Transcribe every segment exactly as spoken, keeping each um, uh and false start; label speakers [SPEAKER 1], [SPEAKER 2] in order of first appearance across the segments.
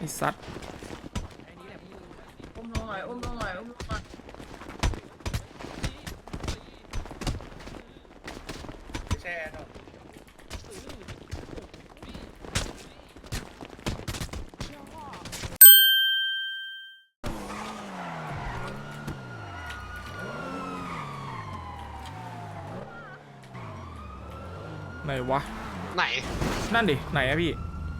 [SPEAKER 1] ไอ้สัตว์
[SPEAKER 2] อุ้มลงหน่อยอุ้มลงหน่อยอุ้มลงหน่อยแช่เนาะ
[SPEAKER 1] ไหนวะ
[SPEAKER 3] ไหน
[SPEAKER 1] นั่นดิไหนอะพี่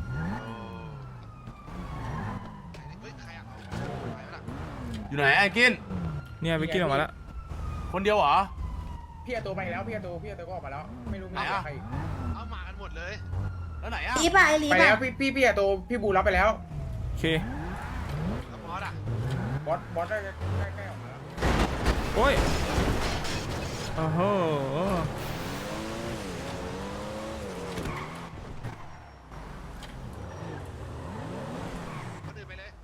[SPEAKER 4] อยู่ไหนไอ้กิน
[SPEAKER 1] เนี่ยไปกินออกมาแล้ว
[SPEAKER 4] คนเดียวเหรอ
[SPEAKER 2] พี่อาตัวไปแล้วพี่อาตัวพี่อาตัวก็ออกมาแล้วไม่รู้มีใครอีก
[SPEAKER 3] เอามากันหมดเลย
[SPEAKER 4] แล้วไหนอะ
[SPEAKER 5] ลีบอะไอลี
[SPEAKER 2] ไป
[SPEAKER 5] บ
[SPEAKER 2] แล้ว
[SPEAKER 5] อะ
[SPEAKER 2] พี่พี่พี่อาตัวพี่บูรับไปแล้ว
[SPEAKER 1] โอเค
[SPEAKER 3] แล้วบอสอ่ะ
[SPEAKER 2] บอสบอสได้ใกล้ๆออกมาแล้ว
[SPEAKER 1] โอ้ยโอ้โห
[SPEAKER 3] คนอื่นไปเลย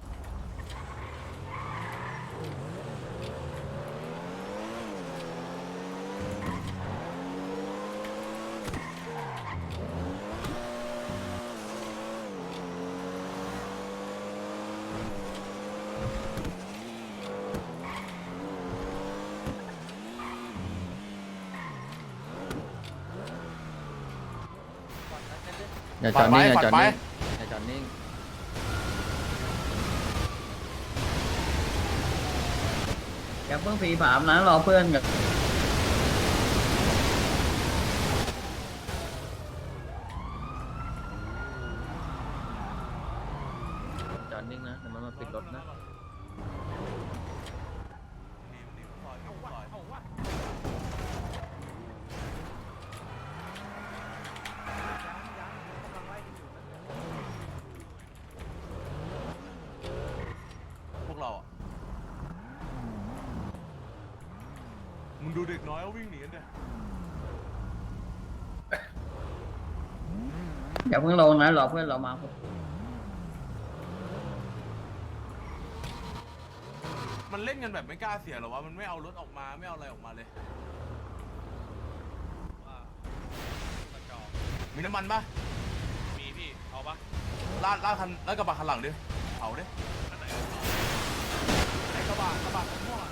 [SPEAKER 6] อย่าจอดนิ่งอย่าจอดนิ่งอย่าจอดนิ่ง
[SPEAKER 2] อย่าเพิ่งผีผามนะรอเพื่อนกับ
[SPEAKER 6] จอดนิ่งนะแต่มันมาปิดรถนะ
[SPEAKER 4] พวกเราอะมึงดูเด็กน้อยเขาวิ่งหนีกันเนี่ย
[SPEAKER 2] อย่าเพิ่งลงนะรอเพื่อนเรามา
[SPEAKER 4] มันเล่นกันแบบไม่กล้าเสียหรอวะมันไม่เอารถออกมาไม่เอาอะไรออกมาเลยมีน้ำมันปะมีพี่เอาปะลาดลาดคันลาดกระบะคันหลังดิเผาดิไอ้กระบะกระบะม่วง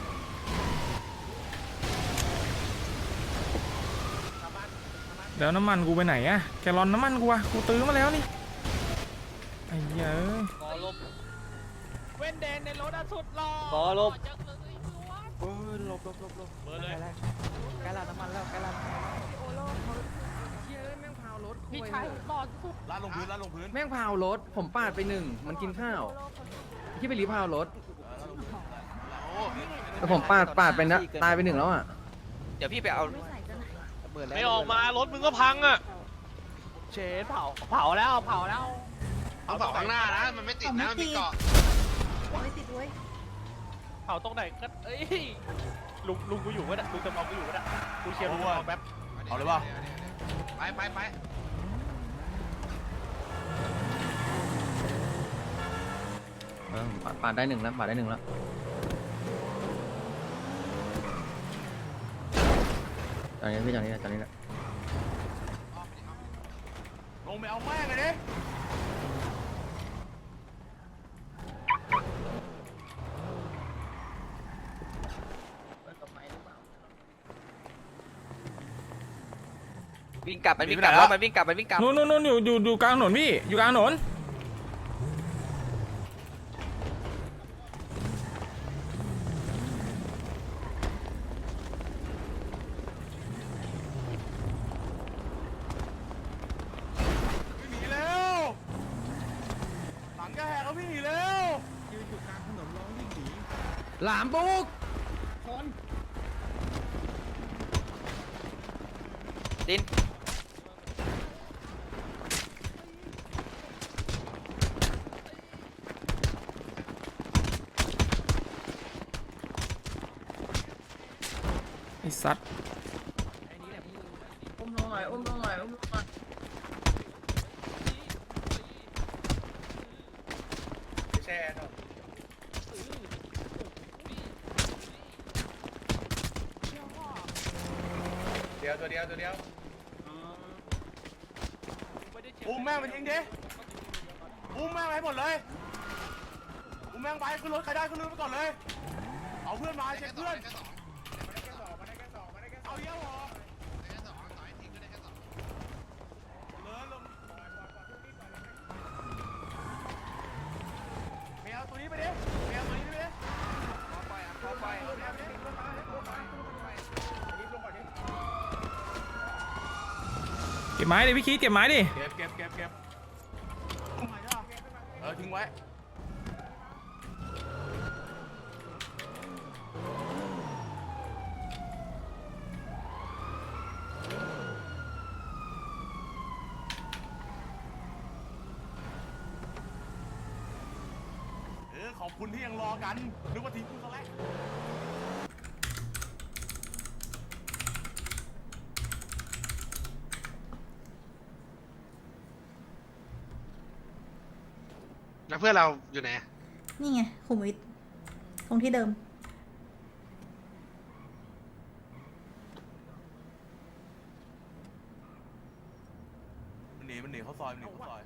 [SPEAKER 1] เดี๋ยวน้ำมันกูไปไหนอะแกลลอนน้ำมันกูอะกูตื้อมาแล้วนี่ไอ้เหี้ยเอ้ย
[SPEAKER 7] บอลบเว้นแดงในรถอะสุดหล่อบอลบเออลบลบลบลบเบอร์เลยใกล้ลาดน้ำมันแล้วใกล้ลาดน้ำมันโอโล่เขาเชี่ยแม่งพาวรถพี่ชายบอลสุด
[SPEAKER 4] ลาดลงพื้นลาดลงพื้น
[SPEAKER 7] แม่งพาวรถผมปาดไปหนึ่งมันกินข้าวที่ไปรีพาวรถแต่ผมปาดปาดไปนะตายไปหนึ่งแล้วอ่ะเดี๋ยวพี่ไปเอาไม่ออกมารถมึงก็พังอ่ะเชนเผาเผาแล้วเผาแล้ว
[SPEAKER 3] เอาเสาข้างหน้านะมันไม่ติดนะมันมีเกาะ
[SPEAKER 5] ไม่ติดด้วย
[SPEAKER 7] เผาตรงไหนก็เอ้ยลุงลุงกูอยู่ก็ได้ลุงจำลองกูอยู่ก็ได้กูเชียร์ลุงเอาแป๊บ
[SPEAKER 4] เอาเลยป่ะ
[SPEAKER 3] ไปไปไป
[SPEAKER 6] เออปาดปาดได้หนึ่งแล้วปาดได้หนึ่งแล้วตอนนี้พี่ตอนนี้ตอนนี้แหละ
[SPEAKER 4] ลงไปเอาแม่งเลยดิ
[SPEAKER 7] วิ่งกลับมันวิ่งกลับแล้วมันวิ่งกลับมันวิ่งกลับ
[SPEAKER 1] นู่นนู่นนู่นอยู่อยู่อยู่กลางถนนพี่อยู่กลางถนน
[SPEAKER 4] วิ่งหนีเร็วหลังก็แหกแล้ววิ่งหนีเร็วยืนอยู่กลางถนนร้องวิ่งหนี
[SPEAKER 7] หลามบุกดิน
[SPEAKER 1] ไอ้สัตว์
[SPEAKER 2] อุ้มลงหน่อยอุ้มลงหน่อยอุ้มลงหน่อยแช่เนาะเดียวตัวเดียวตัวเดียว
[SPEAKER 4] อุ้มแม่งไปทิ้งดิอุ้มแม่งไปหมดเลยอุ้มแม่งไปขึ้นรถใครได้ขึ้นรถไปก่อนเลยเอาเพื่อนมา
[SPEAKER 3] ได้
[SPEAKER 4] เช็
[SPEAKER 3] แค่
[SPEAKER 4] ค
[SPEAKER 3] สอง
[SPEAKER 4] เพื่อน
[SPEAKER 3] ได้แค่สอง
[SPEAKER 2] มาได้แค่สองมาได้แค่สองมาได้แค่สอ
[SPEAKER 4] เอา
[SPEAKER 2] ง
[SPEAKER 4] เยอะเหรอ
[SPEAKER 3] ได้แค่สองต่อยทิ้งก็ได้แค่สอง
[SPEAKER 4] เลยลงเมียเอาตัวนี้ไปดิเมียเอาตัวนี้ไปดิ
[SPEAKER 7] ขอไปอ่ะขอไป
[SPEAKER 2] รีบลงก่อนดิ
[SPEAKER 1] เก็บไม้ดิพี่คิดเก็บไม้ดิ
[SPEAKER 4] เก็บเก็บเก็บเก็บทิ้งไว้จ้ะเออทิ้งไว้เออขอบคุณที่ยังรอกันนึกว่าทิ้งกูซะแล้ว
[SPEAKER 3] แล้วเพื่อนเราอยู่ไหน
[SPEAKER 5] นี่ไงขุมวิทตรงที่เดิม
[SPEAKER 4] มันหนีมันหนีเข้าซอยมันหนีเข้าซอย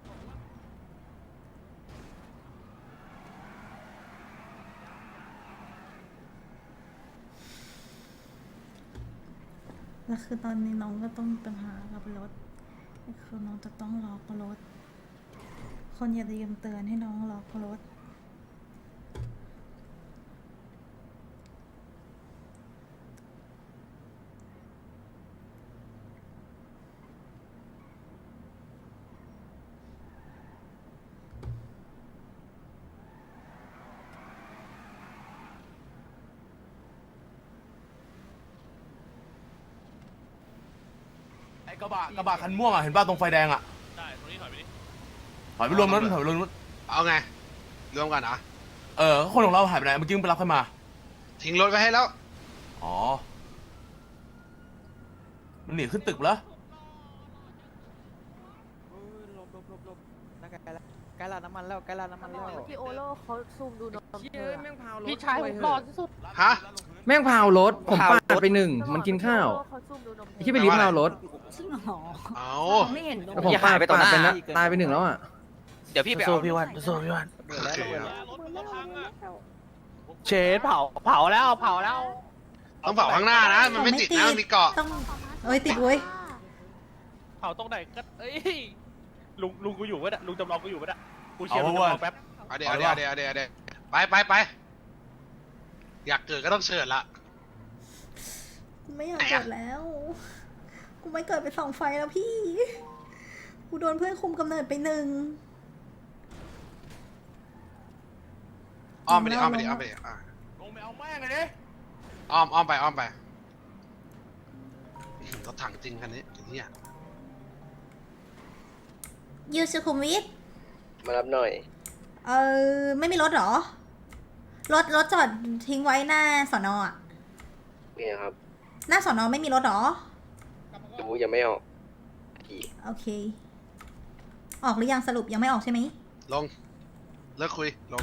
[SPEAKER 5] แล้วคือตอนนี้น้องก็ต้องมีปัญหากับรถคือน้องจะต้องล็อกรถ คนอย่าลืมเตือนให้น้องล็อกรถ
[SPEAKER 4] ไอ้กระบะกระบะคันม่วงอ่ะเห็นป่ะตรงไฟแดงอ่ะได้ตรงนี้ถอยไปดิถอยไปรวมนั้นถอยไปรวมนั้น
[SPEAKER 3] เอาไงรวมกันเหรอ
[SPEAKER 4] เออคนของเราหายไปไหนเมื่อกี้มึงไปรับใครมา
[SPEAKER 3] ทิ้งรถไว้ให้แล้ว
[SPEAKER 4] อ๋อมันหนีขึ้นตึกแล้ว
[SPEAKER 7] ลบลบลบลบน่าใกล้แล้วใกล้ร้านน้ำมันแล้วใกล้ร้านน้ำมันแล้ว
[SPEAKER 5] พี่โอโลเขาซูมดูนม
[SPEAKER 7] เฮ้ยแม่งพาวรถ
[SPEAKER 5] พี่ชายผมหล่อที่สุด
[SPEAKER 3] ฮะ
[SPEAKER 6] แม่งพาวรถผมปาดไปหนึ่งมันกินข้าว
[SPEAKER 5] เขาซูมดูนม
[SPEAKER 6] ไอ้ที่ไปรีบพาวรถ
[SPEAKER 5] จริงเหรอ
[SPEAKER 3] เอา
[SPEAKER 5] ไม่เห็นนม
[SPEAKER 6] แล้วผมปาดไปต่อหน้าตายไปหนึ่งแล้วอ่ะ
[SPEAKER 7] เดี๋ยวพี่ไปเอาพี่วันสู้พี่วัน
[SPEAKER 3] โอเคครับ
[SPEAKER 7] เชดเผาเผาแล้วเผาแล้ว
[SPEAKER 3] ต้องเผาข้างหน้านะ มันไม่ติดนะมันมีเกาะ
[SPEAKER 5] ต้องเอ้ยติดเว้ย
[SPEAKER 7] เผาตรงไหนก็เอ้ยลุงลุงกูอยู่ปะเนี่ยลุงจำลองกูอยู่ปะเนี่ยกูเชียร์ลุงจำลองแป๊บ
[SPEAKER 3] เอาเดี๋ยวเดี๋ยวเดี๋ยวเดี๋ยวเดี๋ยวไปไปไปอยากเกิดก็ต้องเชิญละ
[SPEAKER 5] กูไม่อยากเกิดแล้ว กูไม่เกิดไปส่องไฟแล้วพี่ กูโดนเพื่อนคุมกำเนิดไปหนึ่ง
[SPEAKER 3] อ้อมไปดิอ้อมไปดิอ้อมไปดิอ่ะ
[SPEAKER 4] ลงไปเอาแม่งเลยดิ
[SPEAKER 3] อ้อมอ้อมไปอ้อมไปรถถังจริงคันนี้อย่างนี้อ่ะ
[SPEAKER 5] ยูสุขุมวิท
[SPEAKER 6] มารับหน่อย
[SPEAKER 5] เออไม่มีรถเหรอ รถรถจอดทิ้งไว้หน้าสอนอ่ะ
[SPEAKER 6] นี่ครับ
[SPEAKER 5] หน้าสอนอไม่มีรถเหรอ
[SPEAKER 6] ดูยังไม่ออก
[SPEAKER 5] โอเค ออกหรือยังสรุปยังไม่ออกใช่ไหม
[SPEAKER 3] ลงเลิกคุยลง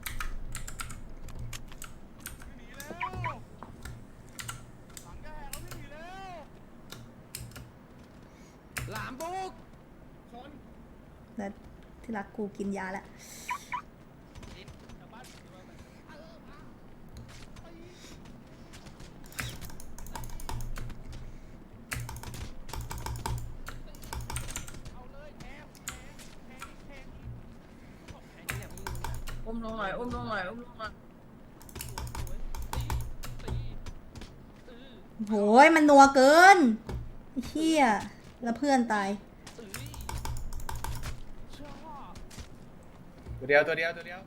[SPEAKER 7] หลามบุก
[SPEAKER 5] แล้วที่รักกูกินยาแล้ว
[SPEAKER 6] อุ้มลงหน่อยอุ้มลงหน่อยอุ้มลงหน่อย
[SPEAKER 5] โหยมันนัวเกินไอ้เฮียแล้วเพื่อนตาย
[SPEAKER 2] ตัวเดียวตัวเดียวตัวเดียว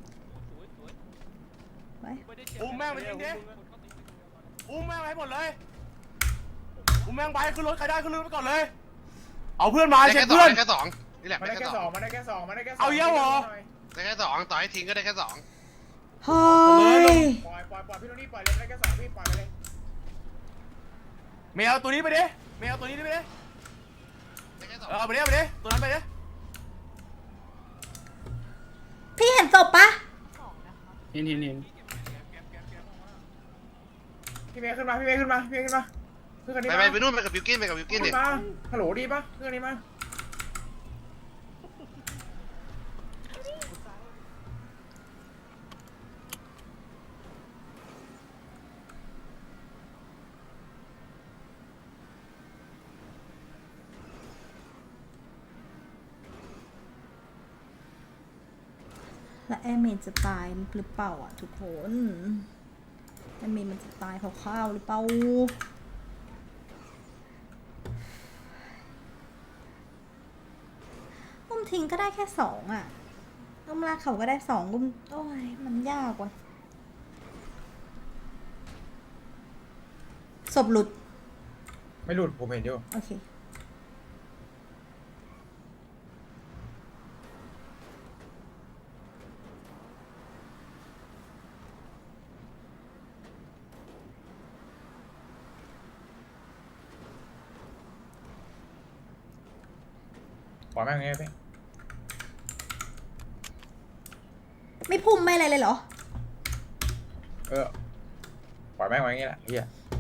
[SPEAKER 5] ไป
[SPEAKER 4] อุ้มแม่งไปยิงดิอุ้มแม่งไปหมดเลยอุ้มแม่งไปขึ้นรถใครได้ขึ้นรถไปก่อนเลย เอาเพื่อนมา
[SPEAKER 3] ได้
[SPEAKER 4] เช็
[SPEAKER 3] แค่
[SPEAKER 4] ค
[SPEAKER 3] สอง
[SPEAKER 4] เพื่อน
[SPEAKER 3] ได้แค่สองนี่แหละ
[SPEAKER 2] มา
[SPEAKER 3] ได้
[SPEAKER 2] ได้
[SPEAKER 3] แค่
[SPEAKER 2] แค่
[SPEAKER 3] ส
[SPEAKER 2] ส
[SPEAKER 3] อ
[SPEAKER 2] อง งมาได้แค่สองมาได้แค่สอง
[SPEAKER 4] เอาเยอะเหรอ
[SPEAKER 3] ได้แค่สองต่อให้ทิ้งก็ได้แค่สอง
[SPEAKER 5] เฮ้ย
[SPEAKER 2] ปล่อยปล่อยปล่อยพี่โทนี่ปล่อยเลยมาได้แค่สองพี่ปล่อยไปเลย
[SPEAKER 4] เมียเอาตัวนี้ไปดิเมียเอาตัวนี้ไปดิ
[SPEAKER 3] ได้แค่สอง
[SPEAKER 4] เออเอาไปดิเอาไปดิตัวนั้นไปดิ
[SPEAKER 5] พี่เห็นศพปะ
[SPEAKER 6] เห็นเห็นเห็น
[SPEAKER 2] พี่เมย์ขึ้นมาพี่เมย์ขึ้นมาพี่เมย์ขึ้นมาขึ้นคันนี้
[SPEAKER 3] ไป
[SPEAKER 2] มา
[SPEAKER 3] ไปไปนู่นไปกับบิวกินไปกับบิวกินดิ
[SPEAKER 2] ขึ้นมาฮัลโหลดีปะขึ้นคันนี้มา
[SPEAKER 5] และแอมเมนจะตายหรือเปล่าอ่ะทุกคนแอมเมนมันจะตายเพราะข้าวหรือเปล่าอุ้มทิ้งก็ได้แค่สองอ่ะอุ้มลากเขาก็ได้สองอุ้มโอ้ยมันยากว่ะศพหลุด
[SPEAKER 2] ไม่หลุดผมเห็นอยู่
[SPEAKER 5] โอเค
[SPEAKER 2] ปล่อยแม่งอย่างเงี้ยพี่
[SPEAKER 5] ไม่พุ่มไม่อะไรเลยเหรอ
[SPEAKER 2] เออปล่อยแม่งไว้อย่างเงี้ยแหละเฮีย